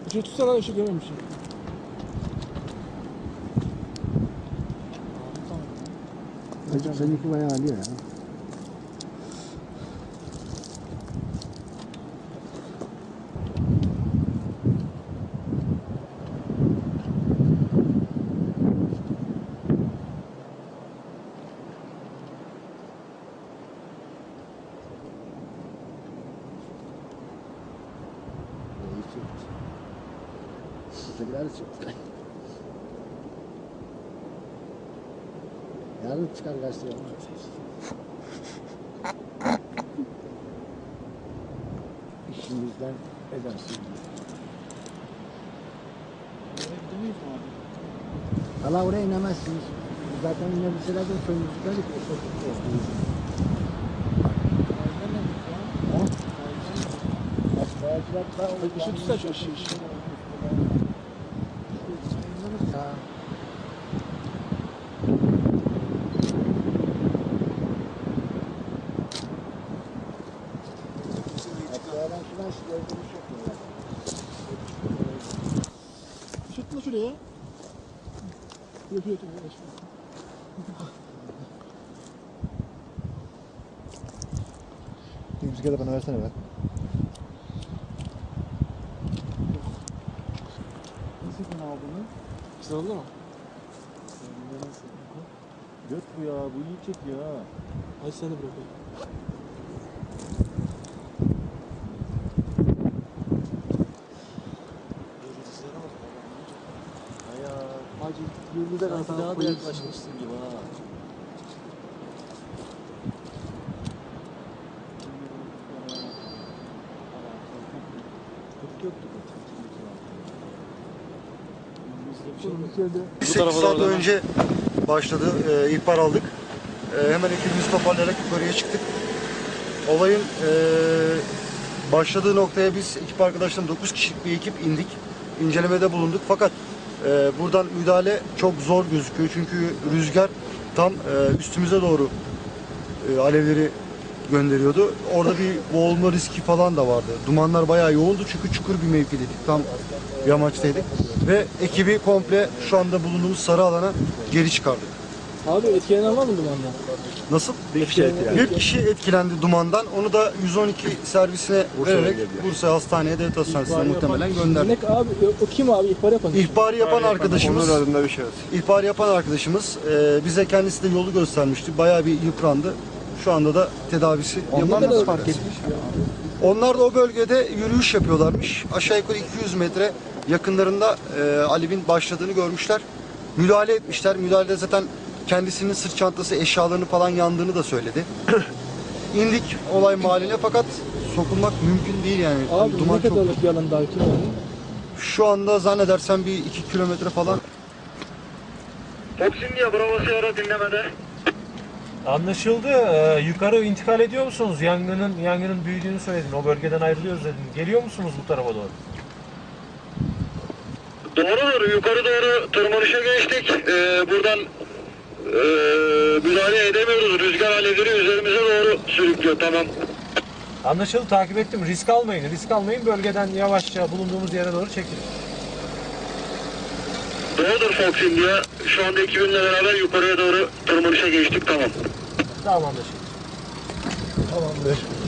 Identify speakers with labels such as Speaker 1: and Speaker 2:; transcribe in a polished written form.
Speaker 1: Işığı tutsana, ışık görmemişim.
Speaker 2: Hacım seninki bayağı alıyor ya. Ötekiler çıktı. Yarın çıkar gazeteye. İşimizden edersin. Valla oraya inemezsiniz. Zaten inebilseler de köyümüzden de
Speaker 1: Işığı tutsana şu ışığı. Tutma şuraya. Yapıyor.
Speaker 2: Bir bisiklete bana versene be.
Speaker 1: Nasıl yapın abi bunu? Güzel oldu mu?
Speaker 3: Göt bu ya, bu iyi çekiyor ha.
Speaker 1: Hadi sen de bırakayım. Hacı yıldız'a
Speaker 3: Sanki
Speaker 1: kadar
Speaker 3: daha da
Speaker 1: koyuyorsun.
Speaker 3: yaklaşmışsın gibi ha.
Speaker 1: Bu
Speaker 4: 8 saat önce başladı, ihbar aldık. Hemen ekibimizi toparlayarak yukarıya çıktık. Olayın başladığı noktaya biz ekip arkadaşlarım 9 kişilik bir ekip indik. İncelemede bulunduk fakat buradan müdahale çok zor gözüküyor. Çünkü rüzgar tam üstümüze doğru alevleri gönderiyordu. Orada bir boğulma riski falan da vardı. Dumanlar bayağı yoğundu çünkü çukur bir mevkideydik. Tam yamaçtaydık. Ve ekibi komple şu anda bulunduğumuz sarı alana geri çıkardık.
Speaker 1: Abi etkilenen var mı dumandan?
Speaker 4: Nasıl?
Speaker 2: Bir kişi etkilendi.
Speaker 4: Bir kişi etkilendi dumandan. Onu da 112 servisine vererek Bursa Hastaneye, Devlet Hastanesi'ne muhtemelen gönderdik.
Speaker 1: Ne abi? O kim abi? İhbar yapan.
Speaker 4: İhbarı yapan arkadaşımız,
Speaker 2: Onur adında bir şahıs.
Speaker 4: ihbarı yapan arkadaşımız bize kendisi de yolu göstermişti. Bayağı bir yıprandı. Şu anda da tedavisi
Speaker 2: Onlar
Speaker 4: yapılıyor.
Speaker 2: nasıl fark etmiş?
Speaker 4: Onlar da o bölgede yürüyüş yapıyorlarmış. Aşağı yukarı 200 metre yakınlarında alevin başladığını görmüşler. Müdahale etmişler. Müdahalede zaten kendisinin sırt çantası, eşyalarını falan yandığını da söyledi. İndik olay mahalline fakat sokulmak mümkün değil yani.
Speaker 1: Abi
Speaker 4: Duman
Speaker 1: ne
Speaker 4: çok.
Speaker 1: kadarlık bir alan daha kim oldu?
Speaker 4: Şu anda zannedersem bir 2 kilometre falan.
Speaker 5: Toksinliye Bravo Sierra dinlemede.
Speaker 6: Anlaşıldı. Yukarı intikal ediyor musunuz? Yangının büyüdüğünü söyledin. O bölgeden ayrılıyoruz dedin. Geliyor musunuz bu tarafa doğru?
Speaker 5: Doğrudur. Yukarı doğru tırmanışa geçtik. Buradan müdahale edemiyoruz. Rüzgar alevleri üzerimize doğru sürüklüyor. Tamam.
Speaker 6: Anlaşıldı. Takip ettim. Risk almayın. Risk almayın. Bölgeden yavaşça bulunduğumuz yere doğru çekilin.
Speaker 5: Doğrudur Foxinliye. Şu anda ekibimle beraber yukarıya doğru tırmanışa geçtik. Tamam.
Speaker 6: Tamam anlaşıldı.
Speaker 2: Tamamdır.